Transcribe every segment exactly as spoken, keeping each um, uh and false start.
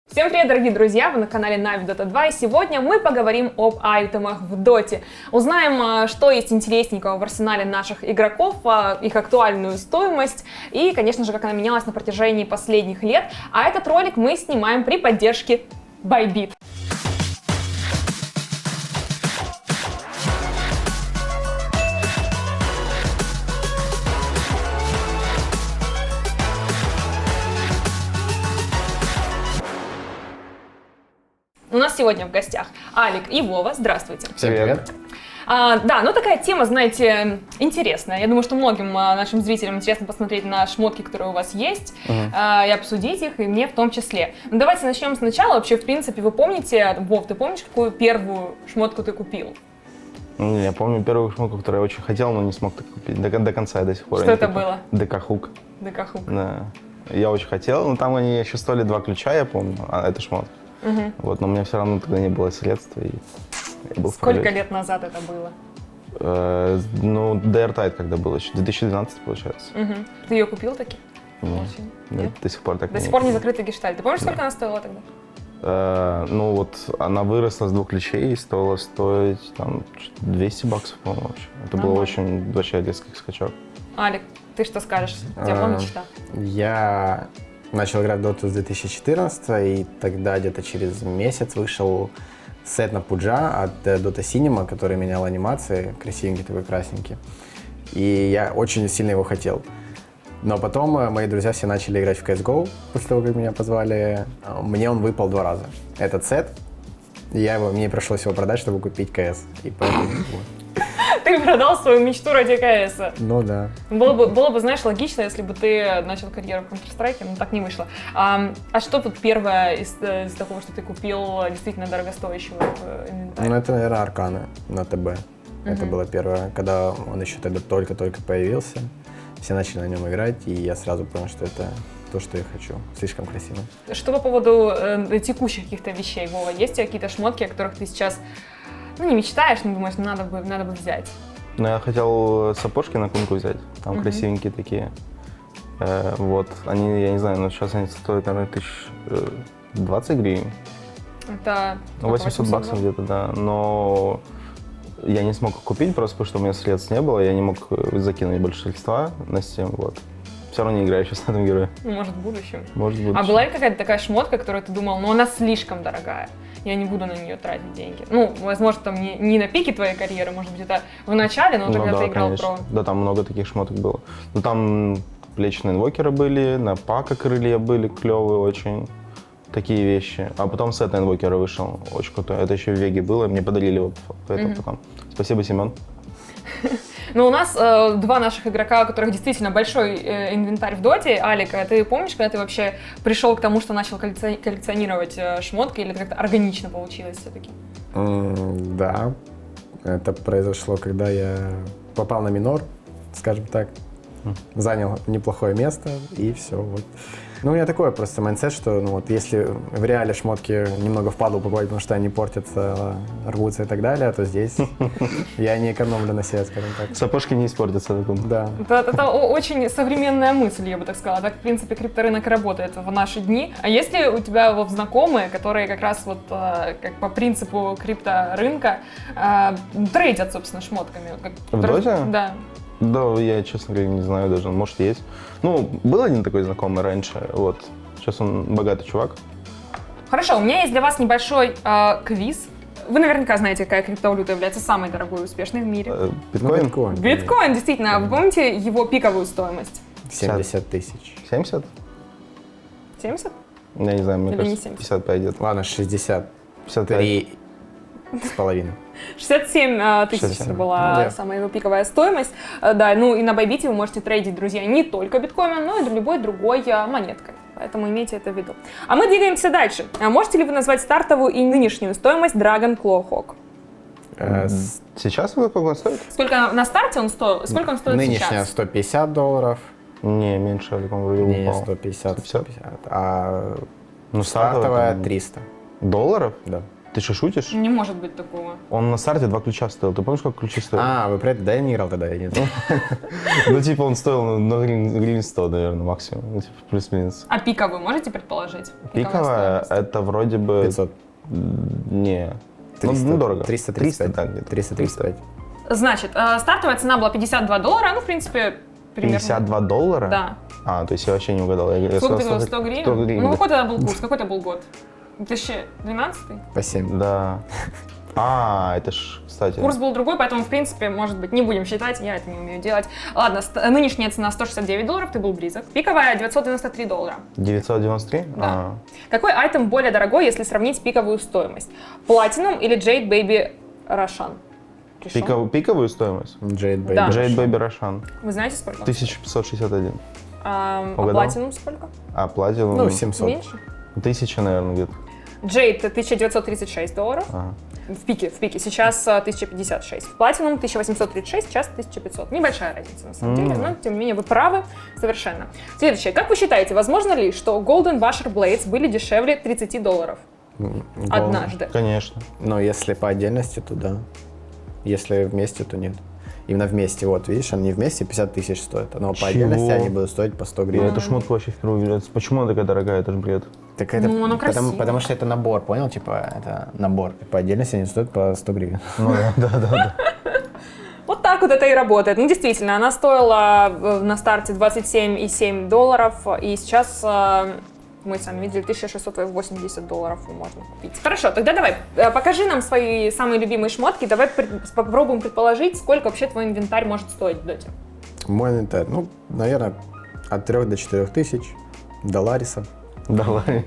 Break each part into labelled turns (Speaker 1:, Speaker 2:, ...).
Speaker 1: Всем привет, дорогие друзья! Вы на канале Нави Дота два, и сегодня мы поговорим об айтемах в Доте. Узнаем, что есть интересненького в арсенале наших игроков, их актуальную стоимость и, конечно же, как она менялась на протяжении последних лет. А этот ролик мы снимаем при поддержке Bybit. У нас сегодня в гостях Алик и Вова. Здравствуйте.
Speaker 2: Всем привет.
Speaker 1: А, да, ну такая тема, знаете, интересная. Я думаю, что многим а, нашим зрителям интересно посмотреть на шмотки, которые у вас есть, uh-huh. а, и обсудить их, и мне в том числе. Ну, давайте начнем сначала. Вообще, в принципе, вы помните, Вов, ты помнишь, какую первую шмотку ты купил?
Speaker 2: Я помню первую шмотку, которую я очень хотел, но не смог так купить. До, до конца я до сих пор.
Speaker 1: Что это было?
Speaker 2: ДК Хук.
Speaker 1: ДК Хук.
Speaker 2: Да. Я очень хотел, но там они еще стоили два ключа, я помню, а это шмотка. Угу. Вот, но у меня все равно тогда не было средств. И я был
Speaker 1: Сколько лет назад это было?
Speaker 2: Э, ну, Дайртайт когда был еще, две тысячи двенадцатый, получается.
Speaker 1: Угу. Ты ее купил таки?
Speaker 2: Нет, Нет? До сих пор так
Speaker 1: До
Speaker 2: не
Speaker 1: сих пор не закрытый гештальт. Ты помнишь, сколько да. она стоила тогда?
Speaker 2: Э, ну вот, она выросла с двух ключей и стоила стоить там двести баксов, по-моему, вообще. Это был очень вообще резкий скачок.
Speaker 1: Алик, ты что скажешь? У тебя была мечта?
Speaker 3: Я начал играть в доту с две тысячи четырнадцатого, и тогда где-то через месяц вышел сет на Пуджа от Dota Cinema, который менял анимации, красивенький такой, красненький. И я очень сильно его хотел. Но потом мои друзья все начали играть в си эс го, после того, как меня позвали. Мне он выпал два раза. Этот сет, и я его, мне пришлось его продать, чтобы купить КС. И поэтому...
Speaker 1: Ты продал свою мечту ради КСа.
Speaker 3: Ну да.
Speaker 1: Было бы, было бы, знаешь, логично, если бы ты начал карьеру в Counter-Strike, но так не вышло. А, а что тут первое из, из такого, что ты купил действительно дорогостоящего в инвентаре?
Speaker 3: Ну это, наверное, Арканы на ТБ. Uh-huh. Это было первое, когда он еще тогда только-только появился. Все начали на нем играть, и я сразу понял, что это то, что я хочу. Слишком красиво.
Speaker 1: Что по поводу э, текущих каких-то вещей, Вова? Есть у тебя какие-то шмотки, о которых ты сейчас, ну, не мечтаешь, но думаешь, надо бы, надо бы взять?
Speaker 2: Ну, я хотел сапожки на кунку взять, там uh-huh. красивенькие такие. Э, вот, они, я не знаю, но сейчас они стоят, наверное, тысяч двадцать гривен.
Speaker 1: Это
Speaker 2: восемьсот баксов где-то, да, но я не смог купить просто потому, что у меня средств не было, я не мог закинуть больше средства на Steam, вот. Все равно не играю сейчас на этом герое.
Speaker 1: Ну, может, в будущем.
Speaker 2: Может, в будущем.
Speaker 1: А была ли какая-то такая шмотка, которую ты думал, ну, она слишком дорогая, я не буду на нее тратить деньги? Ну, возможно, там не, не на пике твоей карьеры, может быть, это в начале, но
Speaker 2: ну,
Speaker 1: когда
Speaker 2: да,
Speaker 1: ты играл
Speaker 2: конечно.
Speaker 1: про...
Speaker 2: Да, там много таких шмоток было. Ну, там плечные инвокеры были, на пака крылья были клевые очень, такие вещи. А потом сет на инвокера вышел, очень крутой. Это еще в Веге было, мне подарили его mm-hmm. потом. Спасибо, Семен.
Speaker 1: Ну, у нас э, два наших игрока, у которых действительно большой э, инвентарь в доте. Алик, а ты помнишь, когда ты вообще пришел к тому, что начал коллекционировать э, шмотки, или это как-то органично получилось все-таки?
Speaker 3: Mm, да, это произошло, когда я попал на минор, скажем так, mm. занял неплохое место, и все, вот. Ну, у меня такое просто майндсет, что ну, вот, если в реале шмотки немного впадло покупать, потому что они портятся, рвутся и так далее, то здесь я не экономлю на себе, скажем так.
Speaker 2: Сапожки не испортятся.
Speaker 3: Да.
Speaker 1: Это, это очень современная мысль, я бы так сказала. Так, в принципе, крипторынок работает в наши дни. А есть ли у тебя вот знакомые, которые как раз вот как по принципу крипторынка трейдят, собственно, шмотками?
Speaker 2: В доте?
Speaker 1: Да.
Speaker 2: Да, я, честно говоря, не знаю даже, может, есть. Ну, был один такой знакомый раньше, вот. Сейчас он богатый чувак.
Speaker 1: Хорошо, у меня есть для вас небольшой э, квиз. Вы наверняка знаете, какая криптовалюта является самой дорогой и успешной в мире.
Speaker 2: Э, биткоин?
Speaker 3: Биткоин.
Speaker 1: Биткоин, действительно. Вы помните его пиковую стоимость?
Speaker 3: семьдесят тысяч.
Speaker 2: семьдесят?
Speaker 1: семьдесят?
Speaker 2: Я не знаю, мне
Speaker 1: или
Speaker 2: кажется, пятьдесят пойдет.
Speaker 3: Ладно, шестьдесят.
Speaker 2: пятьдесят
Speaker 3: три с половиной.
Speaker 1: шестьдесят семь тысяч это была
Speaker 3: ну, да.
Speaker 1: самая его пиковая стоимость. Да, ну и на Bybit вы можете трейдить, друзья, не только биткоином, но и любой другой монеткой. Поэтому имейте это в виду. А мы двигаемся дальше. А можете ли вы назвать стартовую и нынешнюю стоимость Dragon Claw Hawk?
Speaker 2: Э, сейчас он сколько он стоит?
Speaker 1: Сколько на старте он стоил? Сколько он стоит
Speaker 3: Нынешняя
Speaker 1: сейчас?
Speaker 3: Нынешняя сто пятьдесят долларов.
Speaker 2: Не, меньше, он вроде упал.
Speaker 3: Не, сто пятьдесят, сто пятьдесят. А
Speaker 2: ну,
Speaker 3: стартовая
Speaker 2: там...
Speaker 3: триста.
Speaker 2: Долларов?
Speaker 3: Да.
Speaker 2: Ты что, шутишь?
Speaker 1: Не может быть такого.
Speaker 2: Он на старте два ключа стоил. Ты помнишь, сколько ключи стоили?
Speaker 3: А, вы про это? Да, я не играл тогда, я не знаю.
Speaker 2: Ну, типа, он стоил ну, на гривен сто, наверное, максимум. Ну, типа, плюс-минус.
Speaker 1: А пиковую можете предположить?
Speaker 2: Пиковая, это вроде бы...
Speaker 3: пятьсот.
Speaker 2: Не.
Speaker 3: триста,
Speaker 2: Ну, дорого.
Speaker 3: триста тридцать пять.
Speaker 2: так, где-то.
Speaker 3: триста тридцать пять.
Speaker 1: Значит, э, стартовая цена была пятьдесят два доллара, ну, в принципе, примерно.
Speaker 2: пятьдесят два доллара?
Speaker 1: Да.
Speaker 2: А, то есть я вообще не угадал. Я, я
Speaker 1: Сколько ты
Speaker 2: сказал,
Speaker 1: говорил, сто гривен?
Speaker 2: сто гривен.
Speaker 1: Ну, какой тогда был курс? Какой это был год? две тысячи двенадцатый?
Speaker 3: По семь.
Speaker 2: Да. А, это ж, кстати.
Speaker 1: Курс был другой, поэтому, в принципе, может быть, не будем считать, я это не умею делать. Ладно, ст- нынешняя цена сто шестьдесят девять долларов, ты был близок. Пиковая девятьсот девяносто три доллара.
Speaker 2: девятьсот девяносто три?
Speaker 1: Да.
Speaker 2: А.
Speaker 1: Какой айтем более дорогой, если сравнить пиковую стоимость? Platinum или Jade Baby Roshan? Решен?
Speaker 2: Пиков- пиковую стоимость?
Speaker 3: Jade Baby.
Speaker 1: Да.
Speaker 2: Jade Baby Roshan.
Speaker 1: Вы знаете сколько?
Speaker 2: тысяча пятьсот шестьдесят один.
Speaker 1: А, а
Speaker 2: Угадал?
Speaker 1: Platinum сколько?
Speaker 2: А Platinum?
Speaker 3: Ну, семьсот.
Speaker 1: Меньше?
Speaker 2: Тысяча, наверное, где-то.
Speaker 1: Jade тысяча девятьсот тридцать шесть долларов.
Speaker 2: Ага.
Speaker 1: В пике, в пике. Сейчас а, тысяча пятьдесят шесть. В Platinum тысяча восемьсот тридцать шесть, сейчас тысяча пятьсот. Небольшая разница, на самом деле, но, тем не менее, вы правы совершенно. Следующее. Как вы считаете, возможно ли, что Golden Washer Blades были дешевле тридцати долларов
Speaker 3: М,
Speaker 1: однажды?
Speaker 2: Конечно.
Speaker 3: Но если по отдельности, то да. Если вместе, то нет. Именно вместе, вот, видишь, они вместе пятьдесят тысяч стоят. Но по
Speaker 2: Чего?
Speaker 3: отдельности они будут стоить по сто
Speaker 2: Я
Speaker 3: гривен.
Speaker 2: эту шмотку вообще впервые вижу. Почему она такая дорогая? Это же бред.
Speaker 3: Так это,
Speaker 1: Ну, оно
Speaker 3: потому,
Speaker 1: красиво.
Speaker 3: потому что это набор, понял? Типа, это набор. По отдельности они стоят по сто гривен.
Speaker 2: Ну да, да, да. да.
Speaker 1: Вот так вот это и работает. Ну, действительно, она стоила э, на старте двадцать семь и семь долларов, и сейчас э, мы сами видели тысяча шестьсот восемьдесят долларов можно купить. Хорошо, тогда давай, э, покажи нам свои самые любимые шмотки, давай пред- попробуем предположить, сколько вообще твой инвентарь может стоить в доте.
Speaker 3: Мой инвентарь, ну, наверное, от трёх до четырёх тысяч долларисов.
Speaker 2: Давай.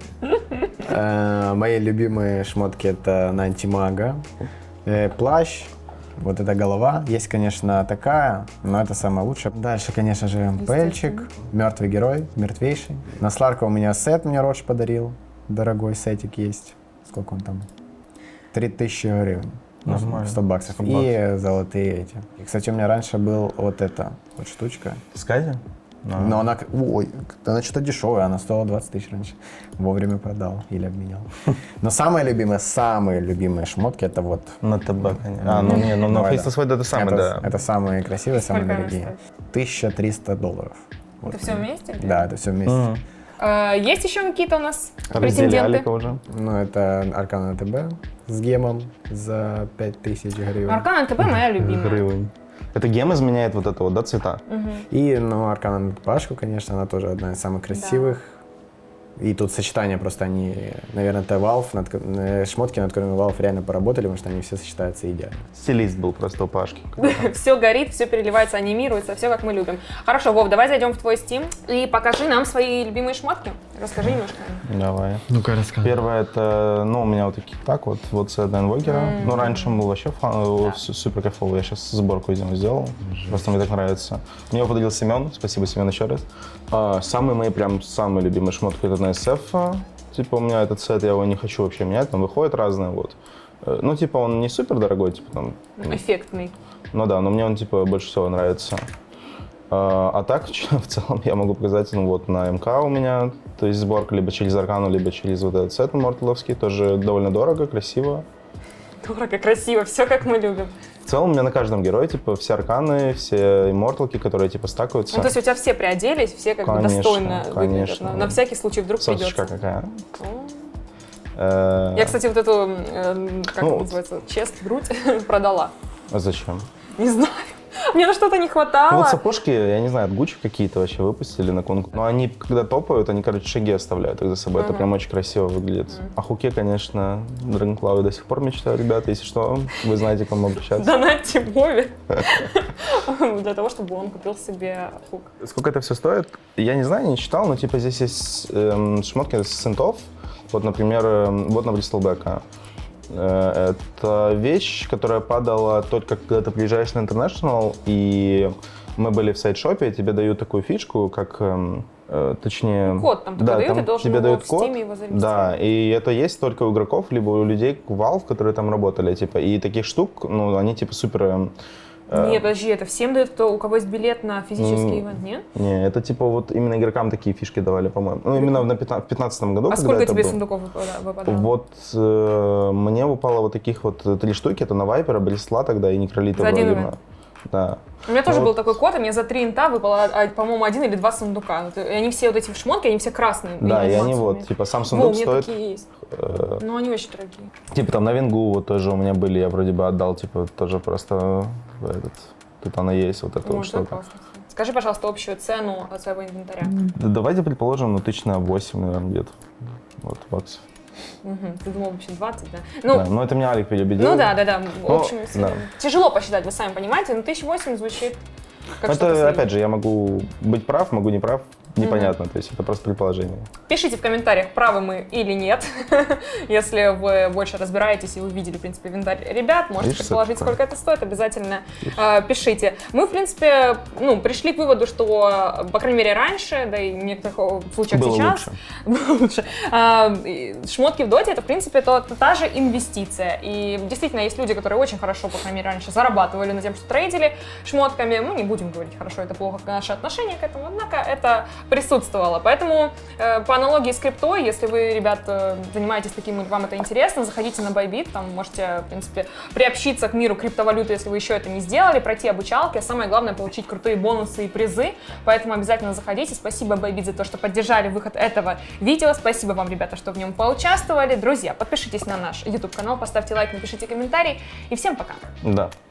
Speaker 3: Э, Мои любимые шмотки это на антимага, э, плащ, вот эта голова. Есть, конечно, такая, но это самое лучшее. Дальше, конечно же, пельчик, мертвый герой, мертвейший. На Сларка у меня сет мне Родж подарил, дорогой сетик есть. Сколько он там? три тысячи гривен. Ну,
Speaker 2: Нормально.
Speaker 3: сто баксов.
Speaker 2: сто
Speaker 3: И золотые эти. И, кстати, у меня раньше был вот эта вот штучка.
Speaker 2: Скази?
Speaker 3: Но она, к- ой, она что-то дешевая, она стоила двадцать тысяч раньше. Вовремя продал или обменял. Но самые любимые, самые любимые шмотки это вот.
Speaker 2: На ТБ, конечно. А, ну не, ну на
Speaker 3: Давай,
Speaker 2: Face
Speaker 3: да.
Speaker 2: to Sweat это самое,
Speaker 3: это,
Speaker 2: да.
Speaker 3: это самые красивые, самые
Speaker 1: Сколько она
Speaker 3: дорогие.
Speaker 1: стоит?
Speaker 3: тысяча триста долларов. Вот.
Speaker 1: Это все вместе?
Speaker 3: Да, это все вместе.
Speaker 2: Мгм.
Speaker 1: Э, есть еще какие-то у нас
Speaker 2: Разделяли
Speaker 1: претенденты?
Speaker 2: уже.
Speaker 3: Ну, это Аркана ТБ с гемом за пять тысяч гривен.
Speaker 1: Аркана ТБ моя любимая.
Speaker 2: Гривен. Это гем изменяет вот это вот, да, цвета?
Speaker 3: И, ну, Аркана Пашку, конечно, она тоже одна из самых красивых. И тут сочетание просто они, наверное, это Valve, над, ко- э, шмотки, над которыми Valve реально поработали, потому что они все сочетаются идеально.
Speaker 2: Стилист был просто у Пашки.
Speaker 1: Все горит, все переливается, анимируется, все как мы любим. Хорошо, Вов, давай зайдем в твой Steam и покажи нам свои любимые шмотки. Расскажи немножко.
Speaker 2: Давай.
Speaker 3: Ну-ка, расскажи.
Speaker 2: Первое это, ну, у меня вот такие, так вот, вот сет Инвокера. Ну, раньше он был вообще фан, э, су- супер кайфовый. Я сейчас сборку из него сделал. Просто мне так нравится. Мне его подарил Семен. Спасибо, Семен, еще раз. А, самые мои, прям, самые любимые шмотки это на эс эф. Типа, у меня этот сет, я его не хочу вообще менять, там выходят разные, вот. Э, Ну, типа, он не супер дорогой, типа, там,
Speaker 1: Эффектный.
Speaker 2: ну да, но мне он, типа, больше всего нравится. А, а так, в целом, я могу показать, ну вот, на МК у меня, то есть сборка либо через Аркану, либо через вот этот сет морталовский, тоже довольно дорого, красиво.
Speaker 1: Дорого, красиво, все как мы любим.
Speaker 2: В целом, у меня на каждом герое, типа, все арканы, все имморталки, которые, типа, стакаются.
Speaker 1: Ну, то есть у тебя все приоделись, все как бы
Speaker 2: Конечно,
Speaker 1: достойно выглядят.
Speaker 2: конечно.
Speaker 1: На, на всякий случай вдруг
Speaker 2: Сосочка
Speaker 1: придется.
Speaker 2: какая.
Speaker 1: О.
Speaker 2: Э,
Speaker 1: Я, кстати, вот эту, э, как
Speaker 2: Ну,
Speaker 1: это называется, чест, грудь продала.
Speaker 2: А зачем?
Speaker 1: Не знаю. Мне на что-то не
Speaker 2: Ну,
Speaker 1: хватало.
Speaker 2: вот сапожки, я не знаю, от Гуччи какие-то вообще выпустили на конкурс. Но они, когда топают, они, короче, шаги оставляют их за собой. Это прям очень красиво выглядит. О хуке, конечно, Драгонклавы до сих пор мечтаю, ребята. Если что, вы знаете, к кому обращаться.
Speaker 1: Донатьте Вове для того, чтобы он купил себе хук.
Speaker 2: Сколько это все стоит? Я не знаю, не читал, но типа здесь есть эм, шмотки с синтов. Вот, например, эм, вот на Бристлбека. Э, Это вещь, которая падала только когда ты приезжаешь на International, и мы были в сайт-шопе, тебе дают такую фишку, как, эм, э, точнее...
Speaker 1: Код там
Speaker 2: да,
Speaker 1: дают,
Speaker 2: там
Speaker 1: ты должен
Speaker 2: тебе
Speaker 1: его
Speaker 2: дают
Speaker 1: в
Speaker 2: код.
Speaker 1: Steam его зарегистрировать.
Speaker 2: Да, и это есть только у игроков, либо у людей Valve, которые там работали, типа, и таких штук, ну, они, типа, супер... эм,
Speaker 1: Нет, подожди, это всем дают, кто, у кого есть билет на физический ивент, нет?
Speaker 2: Не, это типа вот именно игрокам такие фишки давали, по-моему. Ну, именно в пятнадцатом году,
Speaker 1: А
Speaker 2: когда
Speaker 1: сколько
Speaker 2: это
Speaker 1: тебе
Speaker 2: было.
Speaker 1: сундуков выпада- выпадало?
Speaker 2: Вот э, мне выпало вот таких вот три штуки, это на Вайпера, Блисла тогда и Некролита
Speaker 1: За один
Speaker 2: вроде
Speaker 1: ивент?
Speaker 2: бы. Да.
Speaker 1: У меня тоже
Speaker 2: Ну
Speaker 1: был
Speaker 2: вот.
Speaker 1: такой код, и мне за три инта выпало, а, по-моему, один или два сундука. Вот, и они все вот эти шмотки, они все красные.
Speaker 2: Да, и они
Speaker 1: анимациями.
Speaker 2: вот, типа, сам
Speaker 1: Во, у
Speaker 2: сундук
Speaker 1: меня
Speaker 2: стоит,
Speaker 1: такие есть.
Speaker 2: э,
Speaker 1: Но они очень дорогие.
Speaker 2: типа там на Венгу вот тоже у меня были, я вроде бы отдал, типа, тоже просто в этот, тут она есть, вот эта вот
Speaker 1: Вот, это
Speaker 2: штука.
Speaker 1: классно. Скажи, пожалуйста, общую цену от своего инвентаря.
Speaker 2: Да, давайте предположим, ну, тысяч на восемь, наверное, где-то, вот, баксов.
Speaker 1: Угу. Ты думал вообще двадцать, да? Ну,
Speaker 2: Да, но это меня Алик переубедил.
Speaker 1: ну да, да, да,
Speaker 2: Ну,
Speaker 1: общими силами.
Speaker 2: да.
Speaker 1: Тяжело посчитать, вы сами понимаете, но тысяча восемь звучит как что-то
Speaker 2: Это,
Speaker 1: среднее.
Speaker 2: опять же, я могу быть прав, могу не прав, непонятно, то есть это просто предположение.
Speaker 1: Пишите в комментариях, правы мы или нет. Если вы больше разбираетесь и вы видели, в принципе, инвентарь ребят, можете
Speaker 2: Видишь,
Speaker 1: предположить,
Speaker 2: что такое?
Speaker 1: сколько это стоит, обязательно э, пишите. Мы, в принципе, ну, пришли к выводу, что, по крайней мере, раньше, да и в некоторых случаях
Speaker 2: Было
Speaker 1: сейчас,
Speaker 2: лучше.
Speaker 1: было лучше. А, и шмотки в доте — это, в принципе, то, та же инвестиция. И действительно, есть люди, которые очень хорошо, по крайней мере, раньше зарабатывали на тем, что трейдили шмотками. Мы не будем говорить, хорошо это плохо, наше отношение к этому, однако это присутствовало. Поэтому э, по аналогии с криптой, если вы, ребят, э, занимаетесь таким и вам это интересно, заходите на Bybit, там можете, в принципе, приобщиться к миру криптовалюты, если вы еще это не сделали, пройти обучалки, а самое главное — получить крутые бонусы и призы. Поэтому обязательно заходите. Спасибо, Bybit, за то, что поддержали выход этого видео. Спасибо вам, ребята, что в нем поучаствовали. Друзья, подпишитесь на наш YouTube-канал, поставьте лайк, напишите комментарий. И всем пока!
Speaker 2: Да.